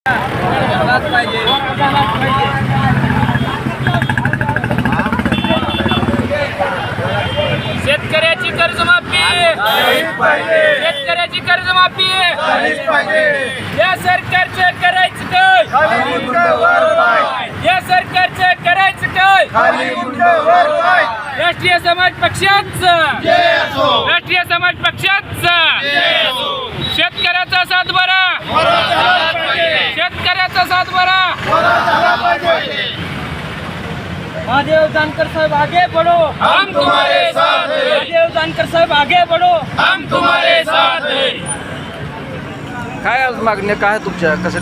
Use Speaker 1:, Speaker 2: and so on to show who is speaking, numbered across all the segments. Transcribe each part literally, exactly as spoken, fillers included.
Speaker 1: शेतकऱ्याची कर्जमाफी, शेतकऱ्याची कर्जमाफी या सरकारचं करायचं काय? या सरकारचं करायचं काय? राष्ट्रीय समाज पक्षाचं, राष्ट्रीय समाज पक्षाचं शेतकऱ्याचा सातबारा, शेतकऱ्याचा सातबारा।
Speaker 2: महादेव जानकर साहब आगे बढ़ो,
Speaker 1: हम तुम्हारे साथ हैं।
Speaker 2: महादेव जानकर साहब आगे बढ़ो,
Speaker 1: हम तुम्हारे साथ हैं।
Speaker 3: काय आज मागण्या काय तुमच्या कसे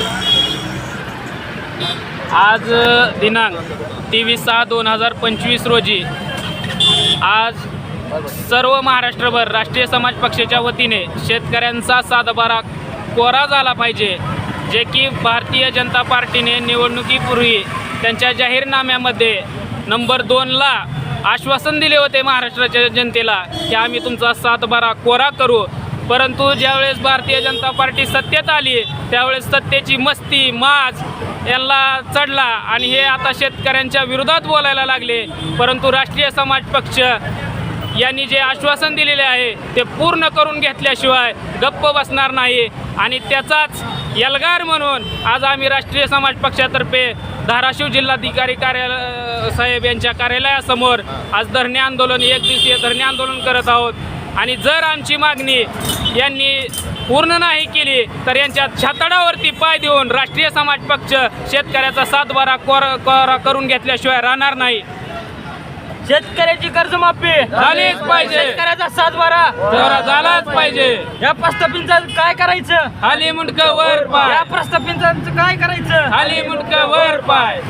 Speaker 1: आज दिनांक तेवीस सहा दोन हजार पंचवीस रोजी आज सर्व महाराष्ट्रभर राष्ट्रीय समाज पक्षाच्या वतीने शेतकऱ्यांचा सातबारा कोरा झाला पाहिजे, जे की भारतीय जनता पार्टीने निवडणुकीपूर्वी त्यांच्या जाहीरनाम्यामध्ये नंबर दोनला आश्वासन दिले होते महाराष्ट्राच्या जनतेला की आम्ही तुमचा सातबारा कोरा करू। परंतु ज्यावेळेस भारतीय जनता पार्टी सत्तेत आली त्यावेळेस सत्तेची मस्ती माज यांना चढला आणि हे आता शेतकऱ्यांच्या विरोधात बोलायला लागले। परंतु राष्ट्रीय समाज पक्ष यांनी जे आश्वासन दिलेले आहे ते पूर्ण करून घेतल्याशिवाय गप्प बसणार नाही आणि त्याचाच यलगार म्हणून आज आम्ही राष्ट्रीय समाज पक्षातर्फे धाराशिव जिल्हाधिकारी कार्यालय साहेब यांच्या कार्यालयासमोर आज धरणे आंदोलन एक दिवसीय धरणे आंदोलन करत आहोत। आणि जर आमची मागणी यांनी पूर्ण नाही केली तर यांच्या छातडावरती पाय देऊन राष्ट्रीय समाज पक्ष शेतकऱ्याचा सातबारा कोरा कोरा करून घेतल्याशिवाय राहणार नाही।
Speaker 2: शेतकऱ्याची कर्जमाफी
Speaker 1: झालीच पाहिजे,
Speaker 2: शेतकऱ्याचा सातबारा
Speaker 1: कोरा झालाच पाहिजे।
Speaker 2: या प्रस्थापितांचं काय करायचं?
Speaker 1: खाली मुंडकं वर पाय,
Speaker 2: या प्रस्थापितांचं काय करायचं?
Speaker 1: खाली मुंडकं वर पाय।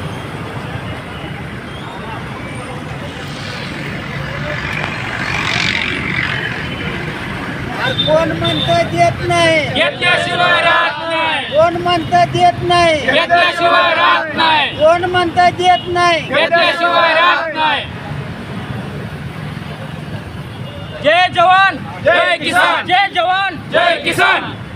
Speaker 4: कोण म्हणतं देत नाही,
Speaker 1: घेतल्याशिवाय राहत नाही,
Speaker 4: कोण म्हणतं देत नाही,
Speaker 1: घेतल्याशिवाय राहत नाही,
Speaker 4: कोण म्हणतं देत नाही।
Speaker 1: घेतल्याशिवाय राहत नाही।
Speaker 2: जय जवान,
Speaker 1: जय किसान,
Speaker 2: जय जवान,
Speaker 1: जय किसान।